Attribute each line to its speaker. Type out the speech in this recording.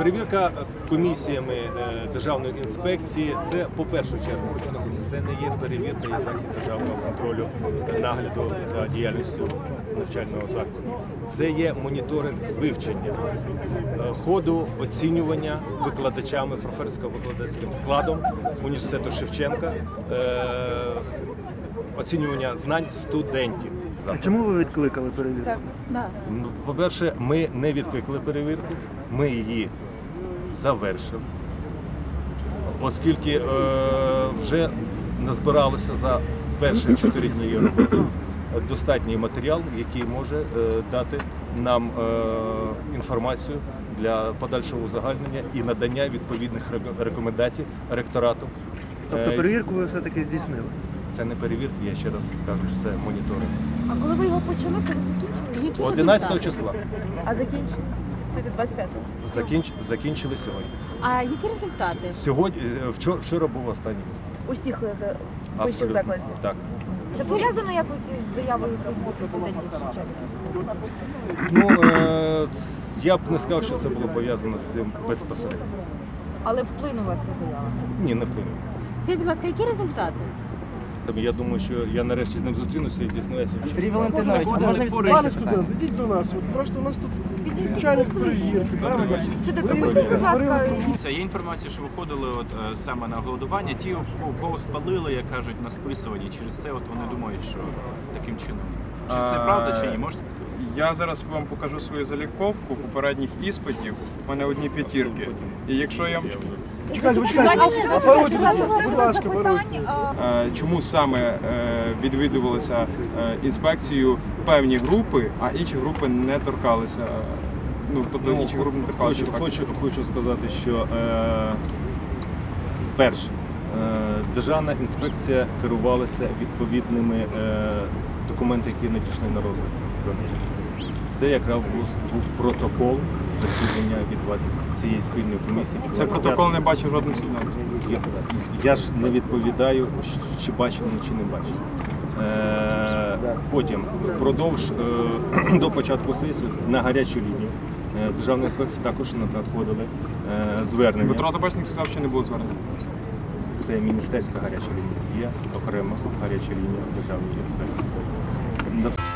Speaker 1: Перевірка комісіями Державної інспекції – це, по першу чергу, хочу наголосити, це не є перевірка якості державного контролю, нагляду за діяльністю навчального закладу. Це є моніторинг вивчення ходу оцінювання викладачами, професорсько-викладацьким складом університету Шевченка, оцінювання знань студентів.
Speaker 2: А чому ви відкликали перевірку?
Speaker 1: По-перше, ми не відкликали перевірку, ми її завершили, оскільки вже назбиралося за перші 4 дні її роботи достатній матеріал, який може дати нам інформацію для подальшого узагальнення і надання відповідних рекомендацій ректорату.
Speaker 2: Тобто перевірку ви все-таки здійснили?
Speaker 1: Це не перевірка, я ще раз кажу, що це моніторинг.
Speaker 3: А коли ви його почали, коли закінчили?
Speaker 1: 11 числа.
Speaker 3: А закінчили? 25-го?
Speaker 1: Закінчили сьогодні.
Speaker 3: А які результати?
Speaker 1: Вчора був останній.
Speaker 3: Усіх вищих закладів?
Speaker 1: Так.
Speaker 3: Це пов'язано якось із заявою Фейсбуку студентів Шевченка?
Speaker 1: Ну, я б не сказав, що це було пов'язано з цим безпосередньо.
Speaker 3: Але вплинула ця заява?
Speaker 1: Ні, не вплинуло.
Speaker 3: Скажіть, будь ласка, які результати?
Speaker 1: Я думаю, що я нарешті з ним зустрінуся і дізнаюся.
Speaker 2: Андрій Валентинович, можна
Speaker 4: Пане студент, ідіть до нас. Просто у нас тут начальник перевірки.
Speaker 3: Сюди пропустіть, будь ласка.
Speaker 5: Є інформація, що виходили саме на голодування, ті, кого спалили, як кажуть, на списуванні. Через це вони думають, що таким чином. Чи це правда, чи ні? Можете?
Speaker 6: Я зараз вам покажу свою заліковку попередніх іспитів. У мене одні п'ятірки. І якщо я...
Speaker 4: Чекайте, будь ласка,
Speaker 6: Чому саме відвідувалися інспекцією певні групи, а інші групи не торкалися? Тобто інші групи не торкалися інспекції?
Speaker 1: Хочу сказати, що перше, Державна інспекція керувалася відповідними документами, які надійшли на розгляд. Це якраз був протокол засідання від цієї спільної комісії.
Speaker 6: Цей протокол не бачив жоден студент.
Speaker 1: Я ж не відповідаю, чи бачив, чи не бачив. Потім, впродовж до початку сесії, на гарячу лінію Державної інспекції також надходили звернення.
Speaker 6: Дмитро Табачник сказав, що не було звернення.
Speaker 1: Це міністерська гаряча лінія. Є окрема гаряча лінія Державної інспекції.